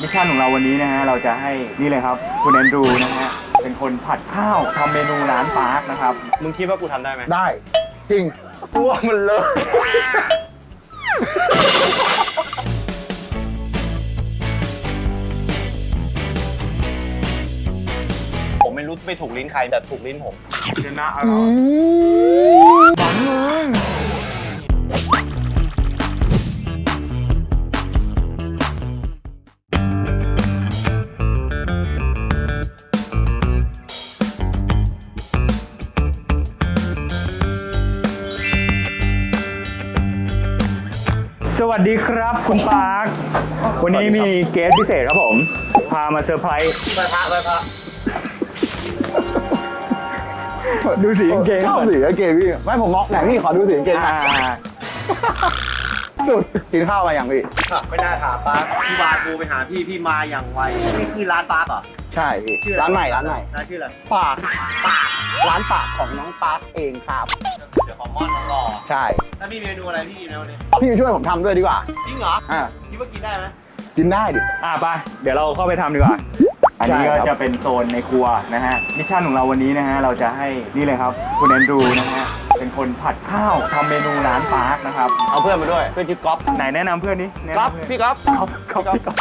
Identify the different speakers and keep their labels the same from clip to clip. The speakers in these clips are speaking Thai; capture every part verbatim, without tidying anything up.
Speaker 1: มิชชั่นของเราวันนี้นะฮะเราจะให้นี่เลยครับคุณแอนดรูนะฮะเป็นคนผัดข้าวทำเมนูร้านปาร์คนะครับ
Speaker 2: มึงคิดว่ากูทำได้ไหม
Speaker 3: ได้จริงกลัวมันเลย
Speaker 2: ผมไม่รู้ไปถูกลิ้นใครแต่ถูกลิ้นผม
Speaker 1: ชนะอร่อยฝันเลยสวัสดีครับคุณปาร์ควันนี้มีเกสพิเศษครับผมพามาเซอร์ไพรส์
Speaker 2: ไปพระไปพระ
Speaker 1: ดูสีกางเกง
Speaker 3: ชอบสีกางเกงพี่ไม่ผมมองไหนพี่ขอดูสีกางเกงหน่อยสุดกินข้าวมาอย่างพี่
Speaker 2: ไม่น่าถามปาร์คพี่วานกูไปหาพี่พี่มาอย่างไวนี่คือร้านปาร์คเหรอ
Speaker 3: ใช่พี่ร้านใหม่ร้านใหม่
Speaker 2: ร้านชื่ออะไร
Speaker 3: ปากปากร้านปากของน้องปาร์คเองครับ
Speaker 2: เดี๋ยวขอมอนน้องรอ
Speaker 3: ใช่
Speaker 2: ถ้ามีเมนูอะไรพี่นะวันนี้
Speaker 3: พี่ช่วยผมทำด้วยดีกว่า
Speaker 2: จริงเหรอ
Speaker 3: อ่า
Speaker 2: คิดว่ากินได้ไหม
Speaker 3: กินได้ดิ
Speaker 1: อ่าไปเดี๋ยวเราเข้าไปทำดีกว่าอันนี้ก็จะเป็นโซนในครัวนะฮะมิชชั่นของเราวันนี้นะฮะเราจะให้นี่เลยครับคุณแอนดรูนะฮะเป็นคนผัดข้าวทำเมนูร้านปาร์คนะครับ
Speaker 2: เอาเพื่อนมาด้วยเพื่อนชื่อก๊อฟ
Speaker 1: ไหนแนะนำเพื่อนนี้
Speaker 2: ก๊อฟพี่ก๊อฟ
Speaker 1: ก๊อฟก๊อฟพี่ก๊อฟ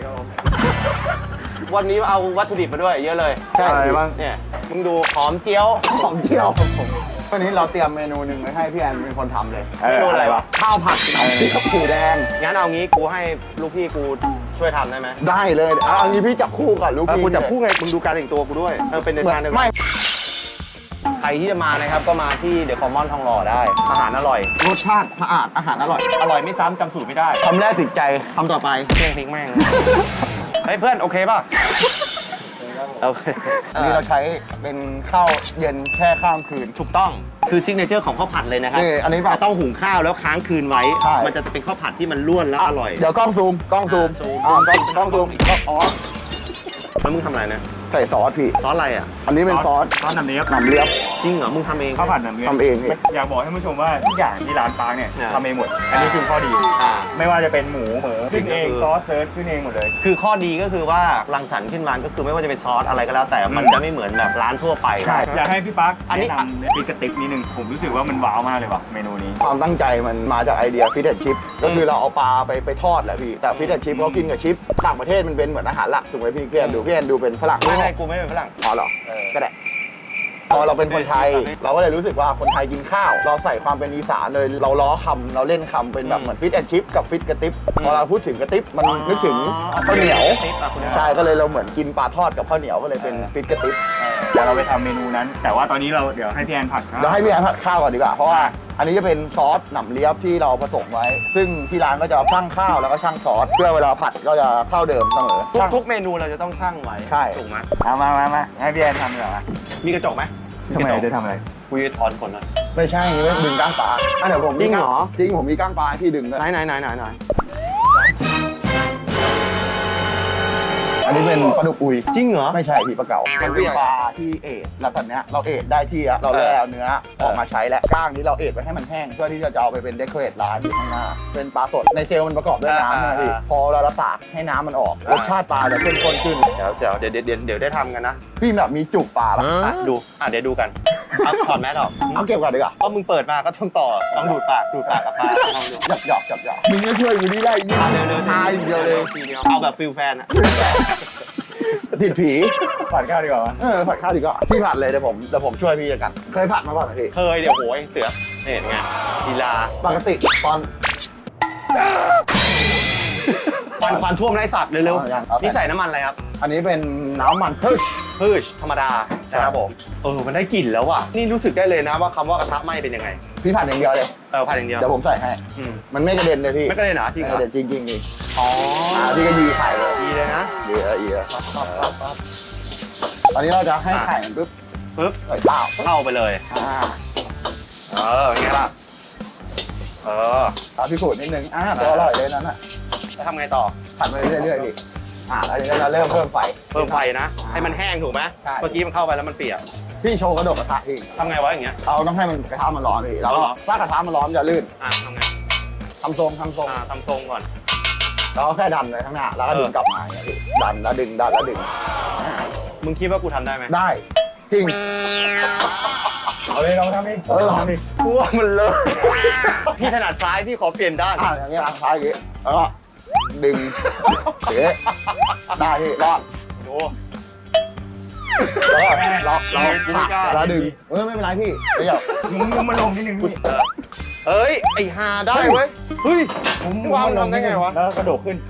Speaker 2: วันนี้เอาวัตถุดิบมาด้วยเยอะเลย
Speaker 3: ใช่
Speaker 1: อะไรบ้าง
Speaker 2: เนี่ยมึงดูหอมเจียว
Speaker 3: หอมเจียวผมวันนี้เราเตรียมเมนูหนึ่งไว้ให้พี่แอนเป็นคนทำเลย
Speaker 1: เมนูอะไรวะ
Speaker 3: ข้าวผัดน้ำพริกกะปิแดง
Speaker 2: งั้นเอางี้กูให้ลูกพี่กูช่วยทำได้ไหม
Speaker 3: ได้เลยเอางี้พี่จับคู่ก่อนลูกพี่
Speaker 2: กูจับคู่ไงมึงดูการแต่งตัวกูด้วยเออเป็นเดินทางเดินไม่ใครที่จะมานะครับก็มาที่เดอะคอมมอนทองหล่อได้อาหารอร่อย
Speaker 3: รสชาติสะอาดอาหารอร่อย
Speaker 2: อร่อยไม่ซ้ำจำสูตรไม่ได้
Speaker 3: ทำแรกติดใจทำต่อไป
Speaker 2: เพ่งทิ้งแม่งเฮ้ยเพื่อนโอเคป่ะโอเค
Speaker 3: นี่เราใช้เป็นข้าวเย็นแช่ข้ามคืน
Speaker 2: ถูกต้องคือซิกเนเจอร์ของข้าวผัดเลยนะครับ
Speaker 3: นี่อันนี้แบบ
Speaker 2: ต้องหุงข้าวแล้วค้างคืนไว้มันจะเป็นข้าวผัดที่มันล้วนแล้วอร่อย
Speaker 3: เดี๋ยวกล้องซูมกล้องซูมอ่ากล้องกล้องซูมก็อ๋อ
Speaker 2: แล้วมึงทำอะไรนะ
Speaker 3: ใส่ซอสพี่
Speaker 2: ซอสอะไรอ่ะ
Speaker 3: อันนี้เป็นซอส
Speaker 1: ซอสน้ำเลียบ
Speaker 3: น้ำเลียบ
Speaker 2: จริงเหรอมึงทำเอง
Speaker 1: ข้าวผัดน้ำเลียบ
Speaker 3: ทำเอง
Speaker 1: อยากบอกให้ผู้ชมว่าทุกอย่างที่ร้านปาร์คเนี่ยทำเองหมดอันนี้คือข้อดีไม่ว่าจะเป็นหมูเหมือขึ้นเองซอสเซิร์ชขึ้นเองหมดเลย
Speaker 2: คือข้อดีก็คือว่ารังสรรค์ขึ้นมาก็คือไม่ว่าจะเป็นซอสอะไรก็แล้วแต่มันจะไม่เหมือนแบบร้านทั่วไป
Speaker 3: ใช่
Speaker 1: อยากให้พี่ปาร์คแนะนำพริกกระติ๊บนิดนึงผมรู้สึกว่ามันว้าวมากเลยว่ะเมนูนี้
Speaker 3: ความตั้งใจมันมาจากไอเดียฟิชแอนด์ชิพก็คือเราเอาปลาไปไปทอดแหละพี่แต่ฟิชแอนด์ชิพเขากินกับชิปต่างประเทศมันเป็นเหมือนอาหารหลักถูกไหมพี่พี่แอนดูพี่แอนดูเป็นฝรั่ง
Speaker 2: ไม่ไม่กูไม่ได้เป็นฝรั่ง
Speaker 3: อ๋อเหรอก็ได้พอเราเป็นคนไทยเราก็เลยรู้สึกว่าคนไทยกินข้าวเราใส่ความเป็นอีสานเลยเราล้อคำเราเล่นคำเป็นแบบเหมือนฟิชแอนด์ชิพกับฟิตกระติ๊บพอเราพูดถึงกระติ๊บมันนึกถึงข้าวเหนียวใช่ก็เลยเราเหมือนกินปลาทอดกับข้าวเหนียวก็เลยเป็นฟิตกระติ๊บ
Speaker 1: เดี๋ยวเราไปทำเมนูนั้นแต่ว่าตอนนี้เราเดี๋ยวให้พี่แอนผัด
Speaker 3: เดี๋ยวให้พี่แอนผัดข้าวก่อนดีกว่าเพราะว่าอันนี้จะเป็นซอสหนำเลียบที่เราผสมไว้ซึ่งที่ร้านก็จะชั่งข้าวแล้วก็ชั่งซอสเพื่อเวลาผัดก็จะเท่าเดิมเสมอ
Speaker 2: ทุกเมนูเราจะต้องชั่งไว้
Speaker 3: ใช่
Speaker 2: ถูกไหม
Speaker 1: เอามามามาให้พี่แอนทำดีกว่า
Speaker 2: มีกระจกไหม
Speaker 1: ทำไมจะทำอะไร
Speaker 2: กูจะถอนขนหน่อย
Speaker 3: ไม่ใช่นี่ไม่ดึงก้างปลาเดี๋ยวผม
Speaker 2: จริงเหรอ
Speaker 3: จริงผมมีก้างปลาที่ดึง
Speaker 2: ไหนไหนไหนไหนไหน
Speaker 3: อันนี้เป็นปลาดุกอุย
Speaker 2: จริงเหรอ
Speaker 3: ไม่ใช่พี่ปลาเก๋ามันเป็นปลาที่เอทแล้วตอนนี้เราเอทได้ที่เราแล่เอาเนื้อออกมาใช้และก้างนี้เราเอทไว้ให้มันแห้งเพื่อที่จะเอาไปเป็นเดคอเรทร้านอยู่ข้างหน้าเป็นปลาสดในเจลมันประกอบด้วยน้ำนะพี่พอเราละตากให้น้ำมันออกรสชาติปลาจะเข้มข้นขึ้น
Speaker 2: เดี๋ยวเดี๋ยวเดี๋ยวเดี๋ยวเดี๋ยวได้ทำกันนะ
Speaker 3: พี่แบบมีจุกปลาป่ะ
Speaker 2: ดูอ่ะเดี๋ยวดูกันเอาถอดแมสออก
Speaker 3: เอาเก็บก่อนดีกว่า
Speaker 2: เพราะมึงเปิดมาก็ต้องต่อต้องดูดปากดูดปากกับปลาลองดู
Speaker 3: หยอกหยอกหยอกหยอกมึงจะช่วยกูนี่ได้ยิ่ง
Speaker 2: เดี๋ยวเดี๋ยว
Speaker 3: ทายเดียวเลย
Speaker 2: เอาแบบฟิลแฟนอะ
Speaker 3: ติดผี
Speaker 1: ผัดข้าวดีกว่า
Speaker 3: เออผัดข้าวดีกว่าพี่ผัดเลยเดี๋ยวผมเดี๋ยวผมช่วยพี่กันเคยผัดมาก่อนไหมพี่
Speaker 2: เคยเดี๋ยวโหยเสือเห็นไงลีลา
Speaker 3: ปกติตอน
Speaker 2: ควันควันท่วมไรสัตว์เร็วๆนี่ใส่น้ำมันอะไรครับ
Speaker 3: อันนี้เป็นน้ำมันพืช
Speaker 2: พืชธรรมดาครับผมเออมันได้กลิ่นแล้วว่ะนี่รู้สึกได้เลยนะว่าคำว่ากระทะไหม้เป็นยังไง
Speaker 3: พี่ผัดอย่างเดียวเลย
Speaker 2: เออผัดอย่างเดียว
Speaker 3: เดี๋ยวผมใส่ให้มันไม่กระเด็นเลยพี่
Speaker 2: ไม่กระเด็นเหรอจริงเหรอ
Speaker 3: จริงจริงจริง
Speaker 2: อ๋อ
Speaker 3: พี่ก็ยีไข่เลย
Speaker 2: ยีเลยนะ
Speaker 3: ยีเออยีตอนนี้เราจะให้ไข่มันปุ๊บ
Speaker 2: ปุ๊บ
Speaker 3: ใส่ข้าว
Speaker 2: เข้าไปเลย
Speaker 3: อ่า
Speaker 2: เออเป็นไงล่ะเออ
Speaker 3: เอาพิสูจน์นิดนึงอ่าตัวอร่อยเลยนั่นน่ะ
Speaker 2: จะทำไงต่อ
Speaker 3: ผัดไปเรื่อยๆพี่อ่าแล้วทีนี้เราเริ่มเพิ่มไฟ
Speaker 2: เพิ่มไฟนะให้มันแห้งถูกไหมเมื่อกี้มันเข้าไปแล้วมันเปียก
Speaker 3: พี่โชว์กระดกกระทะพี่
Speaker 2: ทำไงวะอย่างเงี้ย
Speaker 3: เราต้องให้มันกระทะมันร้อนพี่แล้วถ้ากระทะมันร้อนจะลื่น
Speaker 2: อ่าทำไง
Speaker 3: ทำทรงทำทรง
Speaker 2: อ่าทำทรงก่อน
Speaker 3: เราแค่ดันไปข้างหน้าแล้วก็ดึงกลับมาอย่างเงี้ยพี่ดันแล้วดึงดันแล้วดึง
Speaker 2: มึงคิดว่ากูทำได้ไหม
Speaker 3: ได้จริง
Speaker 1: เอาเลยลองทำดิ
Speaker 3: เออ
Speaker 1: ทำดิ
Speaker 2: กูว่ามันเลยพี่ถนัดซ้ายพี่ขอเปลี่ยนด้าน
Speaker 3: อ่ะอย่างเงี้ยทางซ้ายอย่างเงี้ยแล้วก็ดึงเอ๊ะได้พี่รอด
Speaker 2: โอ้
Speaker 3: แล้วก็ล็อกล็อก
Speaker 2: กูไม่กล้า
Speaker 3: แล้วดึงเออไม่เป็นไรพี่เดี๋ยว
Speaker 1: มึงมึงมาลงนิดนึงพี่
Speaker 2: เอ้ยไอฮาได้เว้ยเฮ้ย
Speaker 1: มึง
Speaker 2: ว่ามึงทำได้ไงวะ
Speaker 1: แล้วกระโดดขึ้น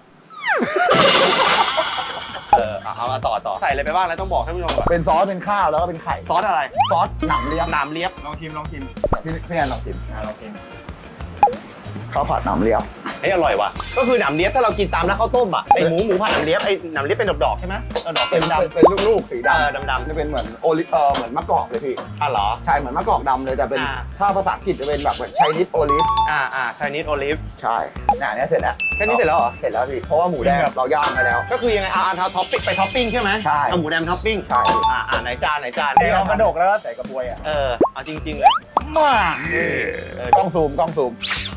Speaker 2: เออเอาเอาต่อต่อใส่อะไรไปบ้างแล้วต้องบอกท่านผู้ชมก่อน
Speaker 3: เป็นซอสเป็นข้าวแล้วก็เป็นไข่
Speaker 2: ซอสอะไร
Speaker 3: ซอสหนำเลียบ
Speaker 2: หนามเลียบ
Speaker 1: ลองชิมลองชิม
Speaker 3: พี่พี่แอนลองชิม
Speaker 1: อ่าลองชิม
Speaker 3: ข้าวผัดหนำเลียบ
Speaker 2: เฮ้ยอร่อยว่ะก็คือหนามเลียบถ้าเรากินตามร้านข้าวต้มอ่ะไอหมูหมูผัดหนามเลียบไอหนามเลียบเป็นดอกๆใช่ไหมเออดอก
Speaker 3: เป็
Speaker 2: เป็น นดำ
Speaker 3: เป็นลูกๆสี
Speaker 2: เออ
Speaker 3: ดำ
Speaker 2: ดำๆ
Speaker 3: จะเป็นเหมือนโอลิเออเหมือนมะกอกเลยพี่
Speaker 2: อ่ะเหรอ
Speaker 3: ใช่เหมือนมะกอกดำเลยแต่เป็น
Speaker 2: อ่า
Speaker 3: ถ้าภาษาอังกฤษจะเป็นแบบเหมือนไชนีสโอลิฟ
Speaker 2: อ่าอ่าไชนีสโอลิฟ
Speaker 3: ใช่เนี่ยอันเนี้ยเสร็จแล้ว
Speaker 2: แค่นี้เสร็จแล้วเหรอ
Speaker 3: เสร็จแล้วพี่เพราะว่าหมูแดงเราย่างไปแล้ว
Speaker 2: ก็คือยังไงเอาเอาท็อปปิ้งไปท็อปปิ้งใช่ไหม
Speaker 3: ใช่
Speaker 2: เอาหมูแดงท็อปปิ้ง
Speaker 3: ใช่
Speaker 2: อ่าอ่าไหนจานไหนจาน
Speaker 1: นี่เอากระดกแล้วก็ใส่กระบวยอ่ะ
Speaker 2: เออเอาจริงๆเลย
Speaker 1: มาก
Speaker 2: เออก
Speaker 3: ล้องซูมกล้องซูม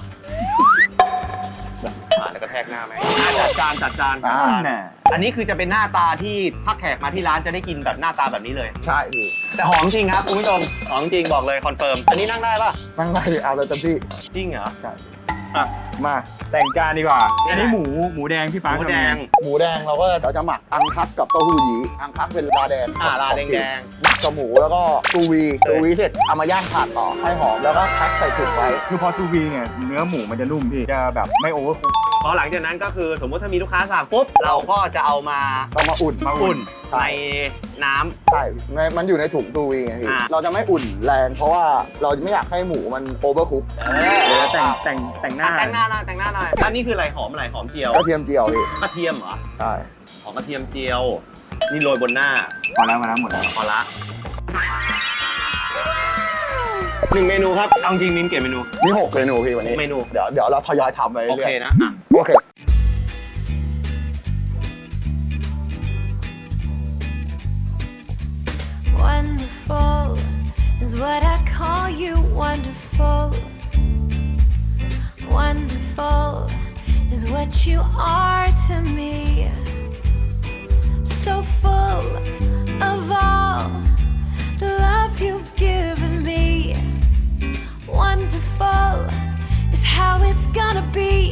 Speaker 2: อ่าแล้วก็แทกหน้าไหมอ่าจัดจานจัดจาน
Speaker 3: อ่า
Speaker 1: น่ะ
Speaker 2: อันนี้คือจะเป็นหน้าตาที่ถ้าแขกมาที่ร้านจะได้กินแบบหน้าตาแบบนี้เลย
Speaker 3: ใช่พี่
Speaker 2: แต่หอมจริงครับคุณผู้ชมหอมจริงบอกเลยคอนเฟิร์มอันนี้นั่งได้ป่ะ
Speaker 3: นั่งได้เอาเลยเต็มที่
Speaker 2: จริงเหรอ
Speaker 3: ใช่
Speaker 2: อ่ะ
Speaker 1: มาแต่งจานดีกว่า
Speaker 2: นี่
Speaker 1: อัน
Speaker 2: แหละ
Speaker 1: นี้หมูหมูแดงพี่ฟ้า
Speaker 2: หมูแดง
Speaker 3: หมูแดงเราก็เราจะหมักอังคัสกับเต้าหู้ยี้อังคัสเป็นลาแดง
Speaker 2: อ่าลาแดงแดง
Speaker 3: หมักกับหมูแล้วก็ซูวีซูวีเสร็จเอามาย่างถ่านต่อให้หอมแล้วก็แพ็คใส่ถุงไว้
Speaker 1: คือพอซูวีเนี่ยเนื้อหมูมันจะนุ่มพี่จะแบบไม่โอเวอร์คุก
Speaker 2: พอหลังจากนั้นก็คือสมมติถ้ามีลูกค้าสั่งปุ๊บเราก็จะเอามา
Speaker 3: เรามาอุ่น
Speaker 2: มาอุ่น
Speaker 3: ใช่
Speaker 2: ในน้ำ
Speaker 3: ใช่ในมันอยู่ในถุงซูวีไงพี่
Speaker 2: อ่า
Speaker 3: เราจะไม่อุ่นแรงเพราะว่าเราไม่อยากให้หมูมันโอเวอร์คุก
Speaker 2: เอ
Speaker 1: เดี๋ยว
Speaker 2: อ
Speaker 1: แต่งแต่งแต่งหน้า
Speaker 2: แต่งหน้าหน่อยแต่งหน้าหน่อยอันนี้คืออะไรหอมอะไรหอมเจียว
Speaker 3: กระเทียมเจียวพี่
Speaker 2: กระเทียมเหรอ
Speaker 3: ใช่
Speaker 2: หอมกระเทียมเจียว นี่โรยบนหน้า
Speaker 1: พอแล้วพอแล้วหมดแล้ว
Speaker 2: พอละหนึ่งเมนูครับเอาจริงมิ้นเก็บเมนู
Speaker 3: มีหกเมนูพี่วันนี้
Speaker 2: เมนู
Speaker 3: เดี๋ยวเดี๋ยวเราทยอยทำไป
Speaker 2: โอ
Speaker 3: เรื่อ
Speaker 2: เค
Speaker 3: ย
Speaker 2: นะอ่ะ
Speaker 3: ๆโอเค
Speaker 4: Wonderful is what I call you. Wonderful, wonderful is what you are to me. So full of all the love you've given me. Wonderful is how it's gonna be.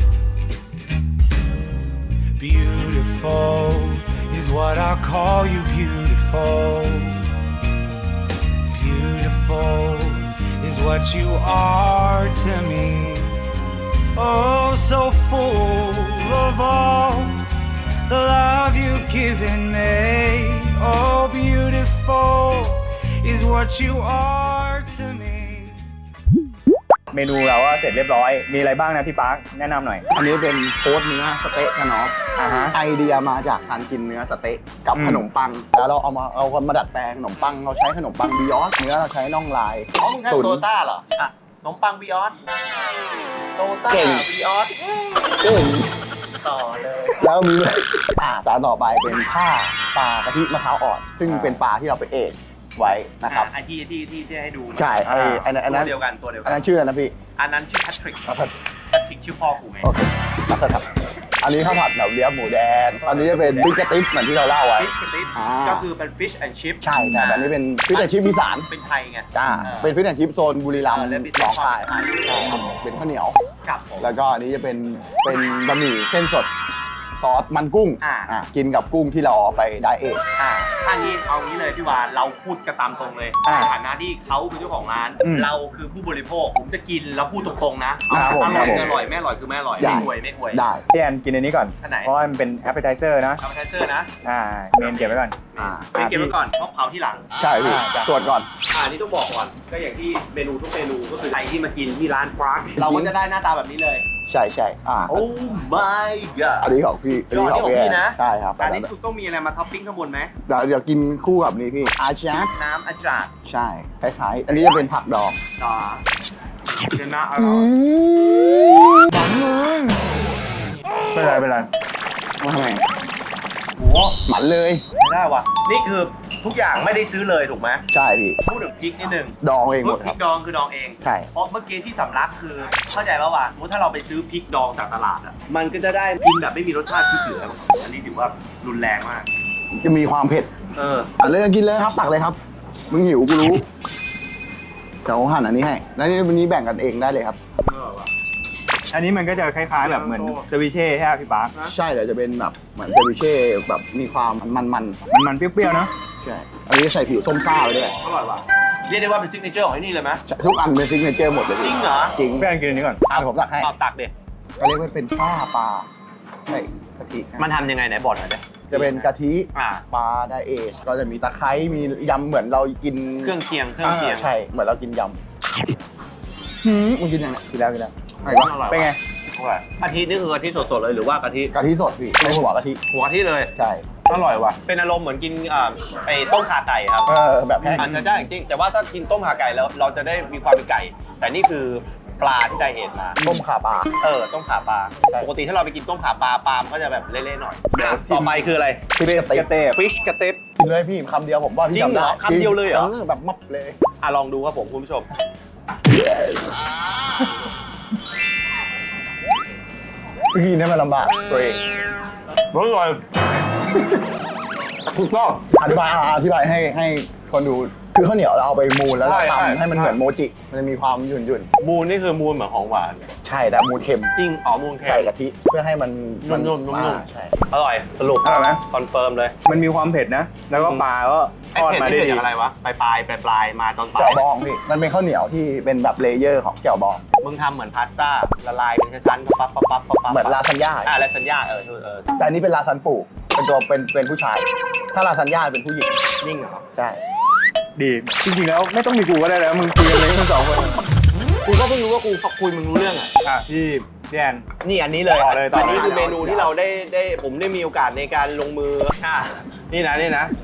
Speaker 5: Beautiful is what I call you, beautiful. Beautiful is what you are to me. Oh, so full of all the love you've given me. Oh, beautiful is what you are to me.
Speaker 1: เมนูเราก็เสร็จเรียบร้อย มีอะไรบ้างนะพี่ป๊าแนะนำหน่อย
Speaker 3: อันนี้เป็นโค้ดเนื้อสเต๊ะกันเนาะ
Speaker 1: อ่าฮะ
Speaker 3: ไอเดียมาจากการกินเนื้อสเต๊ะกับ
Speaker 1: อืม
Speaker 3: ขนมปัง แล้วเราเอามาเอาคนมาดัดแปลงขนมปังเราใช้ขนมปังบิยอสเนื้อเราใช้น่องลาย
Speaker 2: อ๋อมึงใช้
Speaker 3: ตุ๋น
Speaker 2: โตต้าเหรอ
Speaker 3: อ่ะ
Speaker 2: ขนมปังวีออสโตต้า
Speaker 3: เก่ง
Speaker 2: วีออส
Speaker 3: เอ้ย
Speaker 2: ต่อเลย
Speaker 3: แล้วมีอ่าจานต่อไปเป็นผ้าปลากะทิมะพร้าวอ่อน ซึ่ง
Speaker 1: อ่า
Speaker 3: เป็นปลาที่เราไปเอกไว้นะครับ
Speaker 2: อ่ะไอที่ที่ที่ที่ให้ดู
Speaker 3: ใช่ไอ้ไอ้นั่นอัน
Speaker 2: ตั
Speaker 3: นั้
Speaker 2: วน เดียวกันตัวเดียว
Speaker 3: อั
Speaker 2: กัน น
Speaker 3: นั้นชื่ออะไรนะพี่
Speaker 2: อันนั้นชื่อแพทริก
Speaker 3: ครับ
Speaker 2: แพทริกชื่อพ่อกูไง
Speaker 3: โอเคครับ อันนี้ข้าวผัดแบบเลียบหมูแดง อันนี้จะเป็นบิ๊กกระติ๊บเหมือนที่เราเล่าไว้
Speaker 2: ฟิชกระติ๊บ
Speaker 3: อ่า
Speaker 2: ก็คือเป็นฟิชแอนด์ชิพ
Speaker 3: ใช่แต่แบบนี้เป็นฟิชแอนชิพอีสาน
Speaker 2: เป็นไทยไง
Speaker 3: จ้า
Speaker 2: ออ
Speaker 3: เป็นฟิชแอนชิพโซนบุรีรัมย์
Speaker 2: เออแล้วมี
Speaker 3: หนองคาย
Speaker 2: ไทย
Speaker 3: ใช่ครับเป็นข้าวเหนียว
Speaker 2: กับผม
Speaker 3: แล้วก็อันนี้จะเป็นเป็นบะหมี่เส้นสดซอสมันกุ้ง
Speaker 2: อ่า
Speaker 3: อ่ะกินกับกุ้งที่เราเอาไปไดเอท
Speaker 2: อ่าถ้านี้เอางี้เลยพี่วานเราพูดกันตามตรงเลย
Speaker 1: อ่า
Speaker 2: ในฐานะที่เขาเป็นเจ้าของร้าน
Speaker 1: อืม
Speaker 2: เราคือผู้บริโภคผมจะกินแล้วพูดตรงๆนะ
Speaker 1: ครับผม
Speaker 2: อร่อย
Speaker 1: ครับผม
Speaker 2: คืออร่อยไม่อร่อยคือไม่อร่อย
Speaker 3: ได้
Speaker 2: ไม่อวยไม่อวย
Speaker 3: ได้
Speaker 1: พี่แอนกินอันนี้ก่อน
Speaker 2: อันไหน
Speaker 1: เพราะว่ามันเป็น appetizer นะ
Speaker 2: ทำแทนเซอร์นะ
Speaker 1: อ่า เมนเก็บไว้ก่อน
Speaker 3: อ่า
Speaker 2: เป็นเก็บไว้ก่อนเพราะเผาที่หลัง
Speaker 3: ใช่พี่
Speaker 1: อ่าจ้ะ
Speaker 3: ตรวจก่อน
Speaker 2: อ่านี่ต้องบอกก่อนก็อย่างที่เมนูทุกเมนูก็คือใครที่มากินที่ร้านฟรักเราก็จะได้หน้าตาแบบนี้เลย
Speaker 3: ใช่ใช่อ่า
Speaker 2: โอ้ my god
Speaker 3: อันนี้ของพี่
Speaker 2: ยอดนี่ของพี่นะ
Speaker 3: ใช่ครับ
Speaker 2: อันนี้คุณต้องมีอะไรมาท็อปปิ้งข้างบนไหม
Speaker 3: เดี๋ยวเดี๋ยวกินคู่กับนี่พี่อาชาร์
Speaker 2: น้ำอาจารย์
Speaker 3: ใช่คล้ายๆ อันนี้จะเป็นผักดอง
Speaker 2: ต่อเดี๋ยวนะอ
Speaker 3: อื
Speaker 2: ร่อย
Speaker 3: มหมันเลย
Speaker 1: ไม่เป็นไรไม่เป็นไร
Speaker 3: มาทำไม
Speaker 2: โอ้
Speaker 3: หมันเลย
Speaker 2: ไม่ได้ว่ะนี่คือทุกอย่างไม่ได้ซื้อเลยถูกไหม
Speaker 3: ใช่พี่
Speaker 2: พูดถึงพริกนิดนึง
Speaker 3: ดองเองหมด
Speaker 2: พ
Speaker 3: ค
Speaker 2: ริ
Speaker 3: รับ
Speaker 2: กดองคือดองเอง
Speaker 3: ใช่
Speaker 2: เพราะเมื่อกี้ที่สำลักคือเข้าใจป่าวว่าสมมติถ้าเราไปซื้อพริกดองจากตลาดอ่ะมันก็จะได้กินแบบไม่มีรสชาติที่เหลืออันนี้ถือว่ารุนแรงมาก
Speaker 3: จะมีความเผ็ด
Speaker 2: เออ
Speaker 3: อ่ะเลยกินเลยครับตักเลยครับ มึงหิวกูรู้เดี๋ยวหั่นอันนี้ให้แล้วนี่วันนี้แบ่งกันเองได้เลยครับ
Speaker 1: อันนี้มันก็จะคล้ายๆแบบเหมือนเซวิเช่ใช่ไหมพี่ป๊า
Speaker 3: ใช่เดี๋ยวจะเป็นแบบเหมือนเซวิเช่แบบมีความมันๆ
Speaker 1: มันมันๆเปรี้ยวๆเนาะ
Speaker 3: ใช่อันนี้ใส่ผิวส้มซ่าไปด้วย
Speaker 2: อร่อยว่ะเรียกได้ว่าเป็นซิกเนเจอร์ของที่นี่เลยไหม
Speaker 3: ทุกอันเป็นซิกเนเจอร์หมดเลย
Speaker 2: จริงเหรอ
Speaker 3: จริง
Speaker 1: แป้งกินอันนี้ก่อน
Speaker 3: อ่ะผมตักให้
Speaker 2: เอาตักเด็
Speaker 3: ก็เรียกว่าเป็นข้าปลาใส่กะทิ
Speaker 2: มันทำยังไงไหนบอกหน่อยดิ
Speaker 3: จะเป็นกะทิ
Speaker 2: อ่า
Speaker 3: ปลาไดเอชก็จะมีตะไคร้มียำเหมือนเรากิน
Speaker 2: เครื่องเคียงเครื่องเคียง
Speaker 3: าใช่เหมือนเรากินยำหืมมึงกินยังไง
Speaker 1: กินแล้วกินแล้ว
Speaker 3: ไงวะ
Speaker 2: อร่อย
Speaker 1: เป็นไง
Speaker 2: อร่อยกะทินี่คือกะทิสดๆเลยหรือว่ากะทิ
Speaker 3: กะทิสดพี่ไม่หัวกะทิ
Speaker 2: หัวกะทิเลย
Speaker 3: ใช่
Speaker 2: อร่อยว่ะเป็นอารมณ์เหมือนกินอ่าไอ้ต้มข่าไก่ครับ
Speaker 3: เออแบบแห้ง
Speaker 2: อาจจะได้จริงๆแต่ว่าถ้ากินต้มข่าไก่แล้วเราจะได้มีความเป็นไก่ แต่นี่คือปลาที่ได้เห็นมา
Speaker 3: ต้มข่าปลา
Speaker 2: เออต้มขาปลา
Speaker 3: ใช่
Speaker 2: ปกติถ้าเราไปกินต้มขาปลาปลามันก็จะแบบเละๆหน่อย
Speaker 1: เดี๋ยว
Speaker 2: อ่ะต่อไปคืออะไร
Speaker 3: ฟิชกระเต
Speaker 1: กระเตบ
Speaker 2: ฟิชกระเต็บ
Speaker 3: กินเลยพี่คำเดียวผมว่าพี่
Speaker 2: จริงเหรอ
Speaker 3: จำได้
Speaker 2: คำเดียวเลยเหรอ
Speaker 3: แบบมับเลย
Speaker 2: อ่ะลองดูครับผมคุณผู้ชม
Speaker 3: กินให้มันลำบากตัวเอง
Speaker 2: อร่อย
Speaker 3: ถูกต้องอธิบายอ่ะอธิบายให้ให้คนดูคือข้าวเหนียวเราเอาไปมูนแล้วเรา
Speaker 2: ใช่ใช่
Speaker 3: ทำให้มันเหมือนโมจิมันจะมีความหยุ่นหยุ่น
Speaker 2: มูนนี่คือมูนเหมือนของหวาน
Speaker 3: ๆใช่แต่มูนเค็ม
Speaker 2: จริงอ๋อมูนเค็ม
Speaker 3: ใส่กะทิเพื่อให้มันมั
Speaker 2: นุ่มๆนุ่มๆ
Speaker 3: อ่าใช่
Speaker 2: อร่อยสรุป
Speaker 1: อร่อยไหม
Speaker 2: คอนเฟิร์มเลย
Speaker 1: มันมีความเผ็ดนะ แล้วก็ปลาก็ท
Speaker 2: ไอ้
Speaker 1: อด
Speaker 2: เผ็ด
Speaker 1: มา
Speaker 2: นี่
Speaker 1: ได้
Speaker 2: เผ็ด
Speaker 1: ดี
Speaker 2: จากอะไรวะปลายปลายปลายปลายมาตอนปลา
Speaker 3: แจ่
Speaker 2: ยว
Speaker 3: บองพี่มันเป็นข้าวเหนียวที่เป็นแบบเลเยอร์ของแจ่วบอง
Speaker 2: มึงทำเหมือนพาสต้าละลายเป็นชั้นๆปั๊บปั๊บปั๊บปั๊บปั๊บ
Speaker 3: เหมือนลาซานญ่า
Speaker 2: อ่าลาซานญ่าเออเออ
Speaker 3: แต่อันนี้เป็นลาซานปูเป็นตัวเป็นเป็นผู้ชาย ถ้าลาซานญ่าเป็นผู้หญิง
Speaker 2: นิ่งเหรอ
Speaker 3: ใช่
Speaker 1: ดี จริงๆแล้วไม่ต้องมีกูก็ได้แล้วมึงคุยกันเลยทั้งสองคน
Speaker 2: กูก็เพิ่งรู้ว่ากูคุยมึงรู้เรื่องอ่ะ
Speaker 1: อ่ะพี่พี่แอน
Speaker 2: นี่อันนี้เลย
Speaker 1: ต่อเลยต่อเลย
Speaker 2: อันนี้คือเมนูที่เราได้ได้ผมได้มีโอกาสในการลงมืออ่ะนี่นะนี่นะ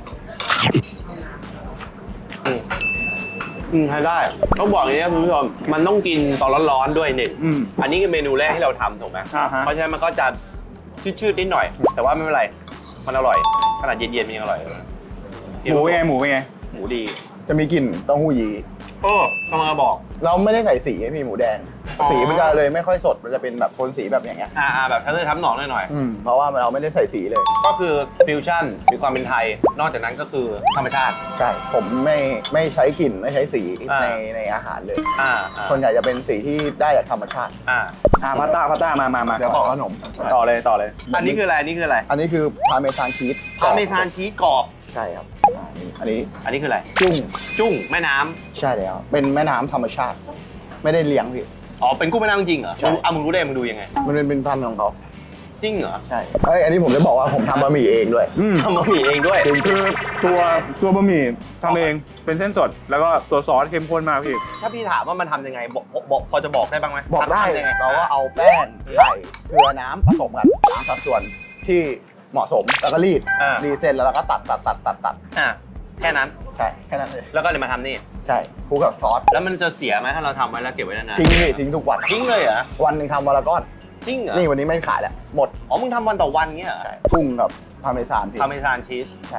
Speaker 2: อืมอืมใช้ได้ต้องบอกอย่างนี้นะคุณผู้ชมมันต้องกินตอนร้อนๆด้วยหนึ่ง
Speaker 1: อืม
Speaker 2: อันนี้คือเมนูแรกที่เราทำถูกไหม
Speaker 1: อ่าฮะ
Speaker 2: เพราะฉะนั้นมันก็จะชืดๆนิดหน่อย แต่ว่าไม่เป็นไรมันอร่อยขนาดเย็นๆมันยังอร่อยเลย
Speaker 1: หมูเป็นไงหมูเป็นไง
Speaker 2: หมูดี
Speaker 3: จะมีกลิ่นเต้าหู้ยี้
Speaker 2: โอ้กำลังจะบอก
Speaker 3: เราไม่ได้ใส่สีให้พี่หมูแดง
Speaker 2: อ๋อ
Speaker 3: สีมันจะเลยไม่ค่อยสดมันจะเป็นแบบโทนสีแบบอย่างเงี้ย
Speaker 2: อ่าๆแบบทั้งเลือดทั้งหนองหน่อยๆ
Speaker 3: อืมเพราะว่าเราไม่ได้ใส่สีเลย
Speaker 2: ก็คือฟิวชั่นมีความเป็นไทย นอกจากนั้นก็คือธรรมชาติ
Speaker 3: ใช่ ผมไม่ไม่ใช้กลิ่นไม่ใช้สี
Speaker 2: อ่า
Speaker 3: ในในอาหารเลย
Speaker 2: อ่าอ่า
Speaker 3: ส่วนใหญ่จะเป็นสีที่ได้จากธรรมชาติ
Speaker 2: อ่า
Speaker 1: อ่ะพาสต้าพาสต้ามามามา
Speaker 3: เดี๋ยวต่อขนม
Speaker 1: ต่อเลยต่อเลย
Speaker 2: อันนี้คืออะไรอันนี้คืออะไร
Speaker 3: อันนี้คือพาเมซานชีส
Speaker 2: พาเมซานชีสกรอบ
Speaker 3: ใช่ครับอ่านี่อันนี้
Speaker 2: อันนี้คืออะไร
Speaker 3: จุ้ง
Speaker 2: จุ้งแม่น้ำ
Speaker 3: ใช่แล้วเป็นแม่น้ำธรรมชาติ ไม่ได้เลี้ยงพี่
Speaker 2: อ๋อเป็นกุ้งแม่น้ำจริงเหรอ
Speaker 3: ใช่
Speaker 2: มึงเอามึงรู้ได้มึงดูยังไง
Speaker 3: มันเป็นเป็นพันธุ์ของเขา
Speaker 2: จริงเหรอ
Speaker 3: ใช่เอ้ยอันนี้ผมจะบอกว่าผมทำบะหมี่เองด้วย
Speaker 1: อืม
Speaker 2: ทำบะหมี่เองด้วย
Speaker 1: คือตัวตัวบะหมี่ทำเองเป็นเส้นสด แล้วก็ตัวซอสเข้มข้นมากพี่
Speaker 2: ถ้าพี่ถามว่ามันทำยังไงบอกบอกบอกพอจะบอกได้บ้างไหม
Speaker 3: บอกได้
Speaker 2: ทำยังไง
Speaker 3: เราก็เอาแป้งไข่เกลือน้ำผสมกันตามสัดส่วนที่เหมาะสมแล้วก็รีด
Speaker 2: อ่า
Speaker 3: รีดเส้นแล้วเราก็ตัดตัดตัดตัดตัด
Speaker 2: อ่าแค่นั้น
Speaker 3: ใช่แค่นั้นเลย
Speaker 2: แล้วก็เลยมาทำนี่
Speaker 3: ใช่คลุกกับซอส
Speaker 2: แล้วมันจะเสียไหมถ้าเราทำไว้แล้วเก็บไว้นานๆ
Speaker 3: ทิ้งนี่ทิ้งทุกวัน
Speaker 2: ทิ้งเลยเหรอ
Speaker 3: วันหนึ่งทำวันละก้อน
Speaker 2: จริงเหรอ
Speaker 3: นี่วันนี้ไม่ขายแล้วหมด
Speaker 2: อ๋อมึงทำวันต่อวันเงี้ยเหรอ
Speaker 3: ใช่กุ้งกับพาเมซานพี่
Speaker 2: พาเมซานชีส
Speaker 3: ใช่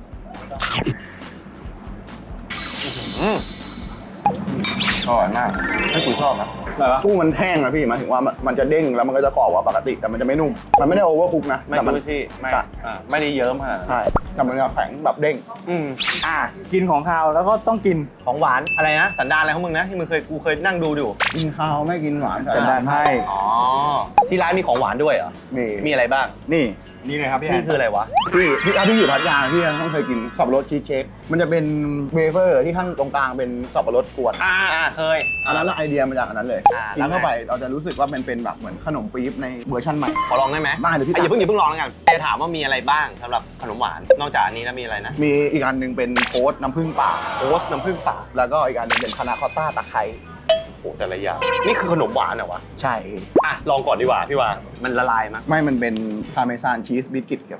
Speaker 2: อืม
Speaker 3: อร่อยมากให้กูชอบนะ
Speaker 1: อะไรวะ
Speaker 3: กุ้งมันแห้งนะพี่หมายถึงว่ามันมันจะเด้งแล้วมันก็จะกรอบกว่าปกติแต่มันจะไม่นุ่มมันไม่ได้โอเวอร์คุกนะ
Speaker 2: ไม่
Speaker 3: แต่มัน
Speaker 2: ดูสิไม่
Speaker 3: ใช่
Speaker 2: อ่าไม่ได้เยิ้มขนาดนั้น
Speaker 3: ใช่แต่มันจะแข็งแบบเด้ง
Speaker 2: อืม
Speaker 1: อ่ะกินของคาวแล้วก็ต้องกิน
Speaker 2: ของหวานอะไรนะสันดานอะไรของมึงนะที่มึงเคยกูเคยนั่งดูอยู่
Speaker 3: กินข้าวไม่กินหวาน
Speaker 1: สันดานให้
Speaker 2: อ๋อที่ร้านมีของหวานด้วยเหรอ
Speaker 3: มี
Speaker 2: มีอะไรบ้าง
Speaker 1: นี่นี่เลยครับพี่แอ
Speaker 2: นี่
Speaker 1: น
Speaker 2: คืออะไรวะ
Speaker 3: พี่พี่ถ้าพี่อยู่พัทยาพี่ยังต้องเคยกินสับปะรดชีสเค้กมันจะเป็นเวเฟอร์ที่ข้างตรงกลางเป็นสับปะรดกวน
Speaker 2: อ่าอ่าเคย
Speaker 3: อันนั้นไอเดียมาจากอันนั้นเลย
Speaker 2: อ่า
Speaker 3: กินเข้าไปเราจะรู้สึกว่ามันเป็นแบบเหมือนขนมปี๊บในเวอร์ชันใหม่
Speaker 2: ขอลองได้ไหม
Speaker 3: ได้เลยพี่
Speaker 2: อ่ะอย่า
Speaker 3: ตั๊ก
Speaker 2: เพิ่งอย่าเพิ่งลองแล้วกันจะถามว่ามีอะไรบ้างสำหรับขนมหวานนอกจากอันนี้แล้วมีอะไรนะ
Speaker 3: มีอีกอันหนึ่งเป็นโค้ดน้ำผึ้งป่า
Speaker 2: โอ๊ตน้ำผึ้งป่า
Speaker 3: แล้วก็อีกอันหนึงเป็นพานาคอตต้าตะไคร้
Speaker 2: โอ้แต่ละอย่างนี่คือขนมหวานเหรอวะ
Speaker 3: ใช่
Speaker 2: อ่ะลองก่อนดีกว่าพี่ว่ามันละลายมั้ย
Speaker 3: ไม่มันเป็นพาเมซานชีสบิสกิตครับ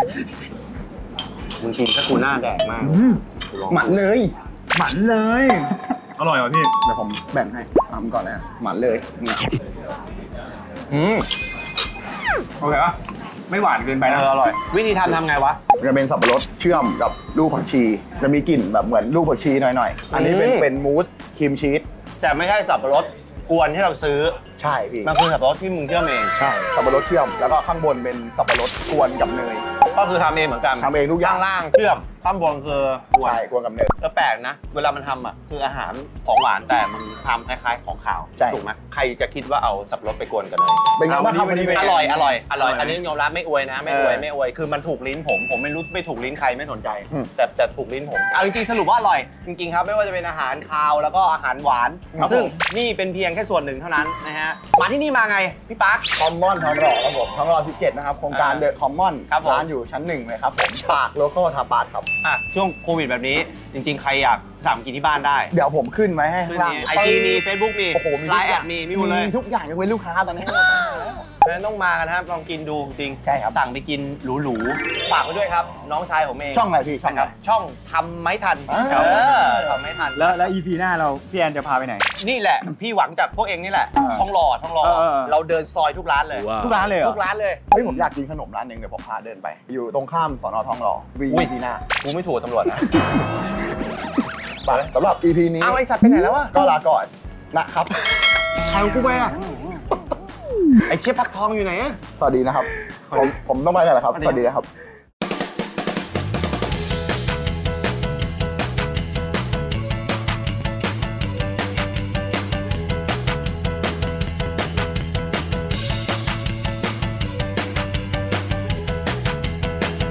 Speaker 2: มึงกินถ้ากูหน้าแดงมาก
Speaker 1: อืม
Speaker 2: กูลอง
Speaker 3: หมันเลย
Speaker 1: หมันเลย อร่อยเหรอพี่
Speaker 3: เดี๋ยวผมแบ่งให้ทำก่อนนะหมันเลยเนี่ย
Speaker 2: อืม
Speaker 1: โอเคปะไม่หวานเกินไปนะ
Speaker 2: เอออร่อย วิธีทำทำไงวะ
Speaker 3: จะเป็นสับปะรดเชื่อมกับลูกผักชี จะมีกลิ่นแบบเหมือนลูกผักชีหน่อยๆ อันนี้เป็น
Speaker 2: อืม
Speaker 3: เป็นมูสครีมชีส
Speaker 2: แต่ไม่ใช่สับปะรดกวนที่เราซื้อ
Speaker 3: ใช่พี่
Speaker 2: มันคือสับปะรดที่มึงเชื่อมเอง
Speaker 3: ใช่สับปะรดเชื่อมแล้วก็ข้างบนเป็นสับปะรดกวนกับเนย
Speaker 2: ก็คือทำเองเหมือนกัน
Speaker 3: ทำเองทุกอย่าง
Speaker 2: ข้างล่างเชื่อมข้างบนคือกวน
Speaker 3: ใช่กวนกับเนย
Speaker 2: ก็แปลกนะ เวลามันทำอ่ะคืออาหารของหวานแต่มันทำคล้ายๆของขาว
Speaker 3: ใช่
Speaker 2: ถูกไหมใครจะคิดว่าเอาสับปะรดไปกวนกันเลย
Speaker 3: เป็นไงบ้างครับ
Speaker 1: วั
Speaker 3: วัน
Speaker 1: นนี้
Speaker 3: นี้
Speaker 2: อร่อยอร่อยอร่อยอันนี้ยอมรับไม่อวยนะไม่อวย
Speaker 1: เออ
Speaker 2: ไม่อวยคือมันถูกลิ้นผมผมไม่รู้ไม่ถูกลิ้นใครไม่สนใจ
Speaker 3: อืม
Speaker 2: แต่แต่ถูกลิ้นผมเอาจริงๆสรุปว่าอร่อยจริงๆครับไม่ว่าจะเป็นอาหารคาวแล้วก็อาหารหวาน
Speaker 1: ครับ
Speaker 2: ซึ่ง
Speaker 1: ผม
Speaker 2: นี่เป็นเพียงแค่ส่วนหนึ่งเท่านั้นนะฮะมาที่นี่มาไงพี่ปั๊ก
Speaker 3: คอมมอนทองหล่อครับผมทองหล่อสิบเจ็ดนะครับโครงการ
Speaker 2: อ่า
Speaker 3: เดอะคอมมอน
Speaker 2: ครับผม
Speaker 3: ร้านอยู่ชั้นหนึ่งเลยครับผมปากโลโก้ทาปาร์ครับ
Speaker 2: อ่ะช่วงโควิดแบบนี้จริง ๆ ใครอยากสั่งกินที่บ้านได้
Speaker 3: เดี๋ยวผมขึ้นไว้ให้
Speaker 2: ขึ้
Speaker 3: ข้าน งล่าง
Speaker 2: นี่ไอจีมีเฟซบุ๊กมี
Speaker 3: โอ้โหมี
Speaker 2: ไล
Speaker 3: ทุก
Speaker 2: น์
Speaker 3: อ
Speaker 2: แอย่าง ดมีมีหมดเลย
Speaker 3: ทุกอย่างยกเว้นลูกค้าตอนนี้
Speaker 2: เพราะฉะนั้นต้องมากันนะครับลองกินดูจริง
Speaker 3: ใช่ครับ
Speaker 2: สั่งไปกินหรูๆฝากไว้ด้วยครับ น้องชายผมเอง
Speaker 3: ช่องอะไรพี่ช่อง
Speaker 2: นะ
Speaker 3: อะ
Speaker 2: ค
Speaker 3: ไร
Speaker 2: รับช่องทำไม่ทัน
Speaker 3: อ่า
Speaker 2: เออทำไม่ทัน
Speaker 1: แล้วแล้ว อี พี หน้าเราพี่แอนจะพาไปไหน
Speaker 2: นี่แหละ พี่หวังจากพวกเองนี่แหละ
Speaker 1: อ่า
Speaker 2: ทองหล่อทองหล่อ
Speaker 1: เออเออ
Speaker 2: เราเดินซอยทุกร้านเลย
Speaker 1: ทุกร้านเลยเหรอ
Speaker 2: ทุกร้านเลย
Speaker 3: เฮ้ยผมอยากกินขนมร้านหนึ่งเดี๋ยวผมพาเดินไป อยู่ตรงข้ามสอนอทองหล่อวี
Speaker 2: อุ้ย
Speaker 3: พีหน้า
Speaker 2: กูไม่ถูกตำรวจนะ
Speaker 3: ไปสำหรับ อี พี นี้
Speaker 2: อ้าวไอสัตว์ไปไหนแล้ววะ
Speaker 3: ก็ลาก่อนนะครับ
Speaker 2: ใครของกูไปอ่ะไอเชฟพักทองอยู่ไหนอะ
Speaker 3: สวัสดีนะครับ ผมผมต้องไปแล้วเหรอครับ
Speaker 2: สวัสดี
Speaker 3: สวัสดีนะครับ